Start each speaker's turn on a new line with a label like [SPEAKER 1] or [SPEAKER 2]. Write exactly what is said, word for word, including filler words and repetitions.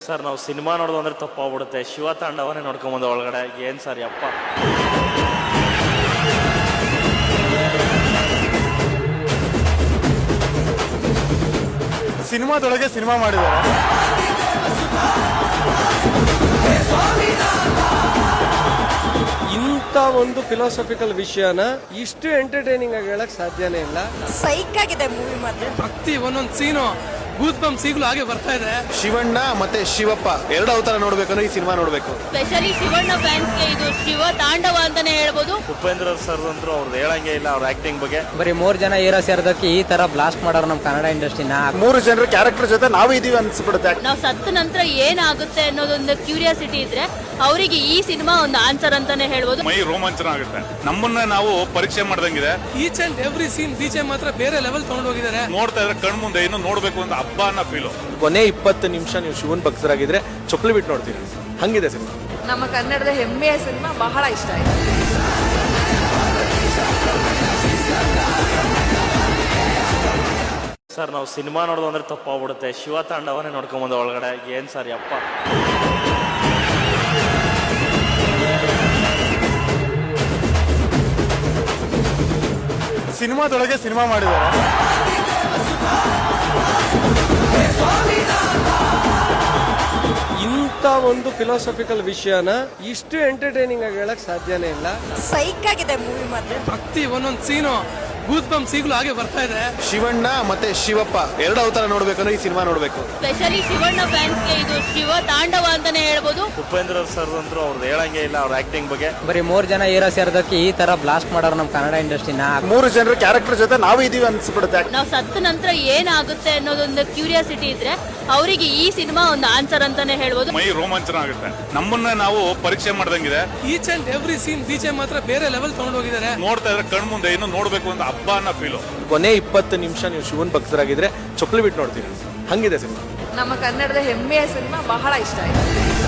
[SPEAKER 1] Sir ನಾವು cinema ನೋಡೋದು ಅಂದ್ರೆ ತಪ್ಪಾಗ್ಬಿಡುತ್ತೆ. ಶಿವ ತಾಂಡವನೇ ನೋಡ್ಕೊಂಬಂದ ಒಳಗಡೆ ಏನ್ ಸರ್ ಯಪ್ಪ.
[SPEAKER 2] ಸಿನಿಮಾದೊಳಗೆ ಸಿನಿಮಾ ಮಾಡಿದ್ದಾರೆ.
[SPEAKER 3] ಇಂಥ ಒಂದು ಫಿಲಾಸಫಿಕಲ್ ವಿಷಯನ ಇಷ್ಟು ಎಂಟರ್ಟೈನಿಂಗ್ ಆಗಿ ಹೇಳಕ್ ಸಾಧ್ಯನೇ ಇಲ್ಲ.
[SPEAKER 4] ಸೈಕ್ ಆಗಿದೆ ಮೂವಿ ಮಾತ್ರ.
[SPEAKER 5] ಭಕ್ತಿ ಒಂದೊಂದು ಸೀನು ಗೂಸ್ ಬಂಪ್ಸ್ ಈಗಲೂ ಹಾಗೆ ಬರ್ತಾ ಇದೆ.
[SPEAKER 2] ಶಿವಣ್ಣ ಮತ್ತೆ ಶಿವಪ್ಪ ಎರಡು ಅವತಾರ ನೋಡ್ಬೇಕಂದ್ರೆ ಈ ಸಿನಿಮಾ ನೋಡ್ಬೇಕು.
[SPEAKER 6] ಸ್ಪೆಷಲಿ ಶಿವಣ್ಣ ಫ್ಯಾನ್ಸ್ಗೆ ಇದು ಶಿವ ತಾಂಡವ ಅಂತಾನೆ ಹೇಳ್ಬೋದು.
[SPEAKER 1] ಉಪೇಂದ್ರ ಸರ್ ಅಂತೂ ಅವ್ರದ್ದು ಹೇಳಂಗೆ ಇಲ್ಲ ಅವ್ರ ಆಕ್ಟಿಂಗ್ ಬಗ್ಗೆ.
[SPEAKER 7] ಬರೀ ಮೂರ್ ಜನ ಹೀರೋ ಸೇರ್ದಕ್ಕೆ ಈ ತರ ಬ್ಲಾಸ್ಟ್ ಮಾಡೋರು ನಮ್ಮ ಕನ್ನಡ ಇಂಡಸ್ಟ್ರಿನ.
[SPEAKER 2] ಮೂರು ಜನರ ಕ್ಯಾರೆಕ್ಟರ್ ಜೊತೆ ನಾವು ಇದೀವಿ ಅನ್ಸ್ಬಿಡುತ್ತೆ.
[SPEAKER 6] ನಾವು ಸತ್ತ ನಂತರ ಏನಾಗುತ್ತೆ ಅನ್ನೋದೊಂದು ಕ್ಯೂರಿಯಾಸಿಟಿ ಇದ್ರೆ ಅವರಿಗೆ ಈ ಸಿನಿಮಾ ಒಂದು ಆನ್ಸರ್ ಅಂತಾನೆ ಹೇಳ್ಬೋದು.
[SPEAKER 8] ಮೈ ರೋಮಾಂಚನ ಆಗುತ್ತೆ. ನಮ್ಮನ್ನ ನಾವು ಪರೀಕ್ಷೆ ಮಾಡ್ದಂಗಿದೆ.
[SPEAKER 5] Each and every scene DJ ಮಾತ್ರ ಬೇರೆ ಲೆವೆಲ್ ತಗೊಂಡು ಹೋಗಿದ್ದಾರೆ.
[SPEAKER 8] ನೋಡ್ತಾ ಇದ್ರೆ ಕಣ್ ಮುಂದೆ ಇನ್ನು ನೋಡ್ಬೇಕು ಅಂತ ಹಬ್ಬ ಅನ್ನೋ ಫೀಲು.
[SPEAKER 2] ಕೊನೆ ಇಪ್ಪತ್ತು ನಿಮಿಷ ನೀವು ಶಿವನ್ ಭಕ್ತರಾಗಿದ್ರೆ ಚೊಕ್ಲಿ ಬಿಟ್ಟು ನೋಡ್ತೀರಿ. ಹಂಗಿದೆ ಸಿನಿಮಾ.
[SPEAKER 4] ನಮ್ಮ ಕನ್ನಡದ ಹೆಮ್ಮೆಯ ಸಿನಿಮಾ ಬಹಳ ಇಷ್ಟ ಆಯ್ತು.
[SPEAKER 1] ಸರ್ ನಾವು ಸಿನಿಮಾ ನೋಡೋದು ಅಂದ್ರೆ ತಪ್ಪಾಗ್ಬಿಡುತ್ತೆ. ಶಿವ ತಾಂಡವನೇ ನೋಡ್ಕೊಂಬಂದ ಒಳಗಡೆ ಏನ್ ಸರ್ ಯಪ್ಪ.
[SPEAKER 2] ಸಿನಿಮಾದೊಳಗೆ ಸಿನಿಮಾ ಮಾಡಿದ್ದಾರೆ.
[SPEAKER 3] ಇಂಥ ಒಂದು ಫಿಲಾಸಫಿಕಲ್ ವಿಷಯನ ಇಷ್ಟು ಎಂಟರ್ಟೈನಿಂಗ್ ಆಗಿ ಹೇಳಕ್ ಸಾಧ್ಯನೇ ಇಲ್ಲ.
[SPEAKER 4] ಸೈಕ್ ಆಗಿದೆ ಮೂವಿ ಮಾತ್ರ.
[SPEAKER 5] ಭಕ್ತಿ ಒಂದೊಂದು ಸೀನು ಗೂಸ್ ಬಂಪ್ಸ್ ಈಗಲೂ ಹಾಗೆ ಬರ್ತಾ ಇದೆ.
[SPEAKER 2] ಶಿವಣ್ಣ ಮತ್ತೆ ಶಿವಪ್ಪ ಎರಡು ಅವತಾರ ನೋಡ್ಬೇಕಂದ್ರೆ ಈ ಸಿನಿಮಾ ನೋಡ್ಬೇಕು.
[SPEAKER 6] ಸ್ಪೆಷಲಿ ಶಿವಣ್ಣ ಫ್ಯಾನ್ಸ್ಗೆ ಇದು ಶಿವ ತಾಂಡವ ಅಂತಾನೆ ಹೇಳ್ಬೋದು.
[SPEAKER 1] ಉಪೇಂದ್ರ ಸರ್ ಅಂತೂ ಅವ್ರದ್ದು ಹೇಳಂಗೆ ಇಲ್ಲ ಅವ್ರ ಆಕ್ಟಿಂಗ್ ಬಗ್ಗೆ.
[SPEAKER 7] ಬರೀ ಮೂರ್ ಜನ ಹೀರೋ ಸೇರ್ದಕ್ಕೆ ಈ ತರ ಬ್ಲಾಸ್ಟ್ ಮಾಡೋರು ನಮ್ಮ ಕನ್ನಡ ಇಂಡಸ್ಟ್ರಿನ.
[SPEAKER 2] ಮೂರು ಜನರ ಕ್ಯಾರೆಕ್ಟರ್ ಜೊತೆ ನಾವು ಇದೀವಿ ಅನ್ಸ್ಬಿಡುತ್ತೆ.
[SPEAKER 6] ನಾವು ಸತ್ತ ನಂತರ ಏನಾಗುತ್ತೆ ಅನ್ನೋದೊಂದು ಕ್ಯೂರಿಯಾಸಿಟಿ ಇದ್ರೆ ಅವರಿಗೆ ಈ ಸಿನಿಮಾ ಒಂದು ಆನ್ಸರ್ ಅಂತಾನೆ ಹೇಳ್ಬೋದು.
[SPEAKER 8] ಮೈ ರೋಮಾಂಚನ ಆಗುತ್ತೆ. ನಮ್ಮನ್ನ ನಾವು ಪರೀಕ್ಷೆ ಮಾಡ್ದಂಗಿದೆ.
[SPEAKER 5] Each and every scene DJ ಮಾತ್ರ ಬೇರೆ ಲೆವೆಲ್ ತಗೊಂಡು ಹೋಗಿದ್ದಾರೆ.
[SPEAKER 8] ನೋಡ್ತಾ ಇದ್ರೆ ಕಣ್ ಮುಂದೆ ಇನ್ನು ನೋಡ್ಬೇಕು ಅಂತ ಹಬ್ಬ ಅನ್ನೋ ಫೀಲು.
[SPEAKER 2] ಕೊನೆ ಇಪ್ಪತ್ತು ನಿಮಿಷ ನೀವು ಶಿವನ್ ಭಕ್ತರಾಗಿದ್ರೆ ಚೊಕ್ಲಿ ಬಿಟ್ಟು ನೋಡ್ತೀರಿ. ಹಂಗಿದೆ ಸಿನಿಮಾ.
[SPEAKER 4] ನಮ್ಮ ಕನ್ನಡದ ಹೆಮ್ಮೆಯ ಸಿನಿಮಾ ಬಹಳ ಇಷ್ಟ ಆಯ್ತು.